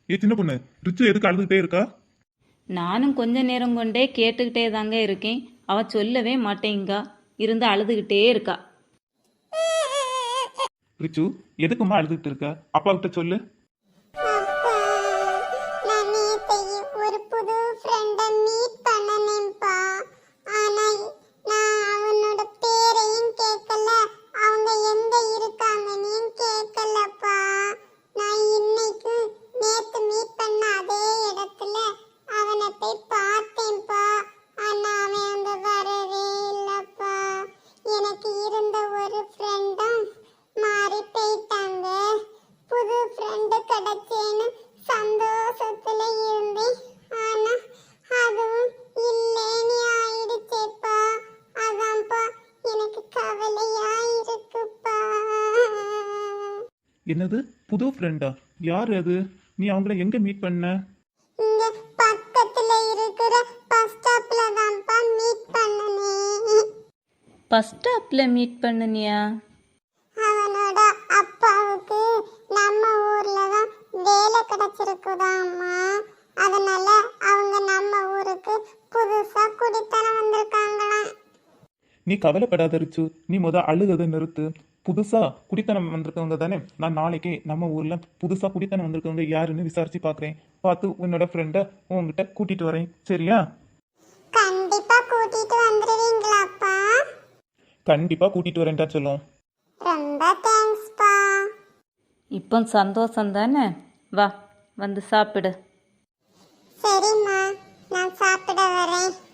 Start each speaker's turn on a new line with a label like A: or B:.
A: சின்ன பொண்ணு, ரிச்சு எதுக்கு அழுதுகிட்டே இருக்கா?
B: நானும் கொஞ்ச நேரம் கொண்டே கேட்டுக்கிட்டே தாங்க இருக்கேன். அவ சொல்லவே மாட்டேங்கா, இருந்து அழுதுகிட்டே இருக்கா.
A: ரிச்சு, எதுக்குமா அழுதுகிட்டு இருக்க? அப்பா கிட்ட சொல்லு.
C: அப்பா, நான் நேத்தைக்கு ஒரு புது ஃப்ரெண்ட மீட் பண்ணனேன்ப்பா. ஆனா நான் அவனோட பேரையும் கேட்கல, அவங்க எங்க இருக்காங்கன்னு கேட்கலப்பா. நான் இன்னைக்கு நேத்து மீட் பண்ண அதே இடத்துல அவனை போய் பார்த்தேன்ப்பா. ஆனா அவன் அங்க வரவே இல்லப்பா. எனக்கு இருந்த ஒரு ஃப்ரெண்டும் மாறி போயிட்டாங்க. புது ஃப்ரெண்டு கிடைச்சேன்னு சந்தோஷத்துல இருந்தேன். ஆனா அதுவும் இல்லேன்னு ஆயிடுச்சேப்பா. அதான்ப்பா எனக்கு கவலையா இருக்குப்பா.
A: என்னது, புது ஃப்ரெண்டா? யார் அது? நீ அவங்கள எங்க மீட் பண்ண?
C: இங்க பக்கத்துல இருக்கிற பஸ் ஸ்டாப்ல தான்ப்பா மீட் பண்ணனே.
B: பஸ் ஸ்டாப்பில் மீட் பண்ணுனியா?
C: அவனோட அப்பாவுக்கு நம்ம ஊர்ல தான் வேலை கிடைச்சிருக்குதாம்மா. அதனால அவங்க நம்ம ஊருக்கு புதுசா குடித்தனம் வந்திருக்காங்களாம்.
A: நீ கவலைப்படாத ரிச்சு, நீ அழுகதை நிறுத்து. புதுசா குடித்தனம் வந்திருக்கவங்க தானே, நான் நாளைக்கு நம்ம ஊர்ல புதுசா குடித்தனம் வந்திருக்கவங்க யாருன்னு விசாரிச்சு பாக்குறேன். பார்த்து உன்னோட ஃப்ரெண்ட உன்கிட்ட கூட்டிட்டு வரேன், சரியா?
C: கண்டிப்பா கூட்டிட்டு வந்துருவீங்களாப்பா?
A: கண்டிப்பா கூட்டிட்டு வரேன்டா சொல்லும்.
C: ரொம்ப தேங்க்ஸ்ப்பா.
B: இப்போ சந்தோஷம் தானே? வா, வந்து சாப்பிடு.
C: சரிம்மா, நான் சாப்பிட வரேன்.